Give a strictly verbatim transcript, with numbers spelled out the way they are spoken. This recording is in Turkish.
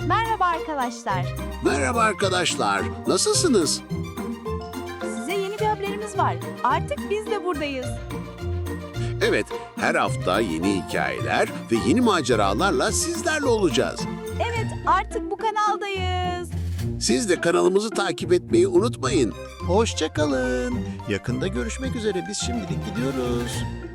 Merhaba arkadaşlar. Merhaba arkadaşlar, nasılsınız? Size yeni bir haberimiz var. Artık biz de buradayız. Evet, her hafta yeni hikayeler ve yeni maceralarla sizlerle olacağız. Evet, artık bu kanaldayız. Siz de kanalımızı takip etmeyi unutmayın. Hoşça kalın. Yakında görüşmek üzere. Biz şimdilik gidiyoruz.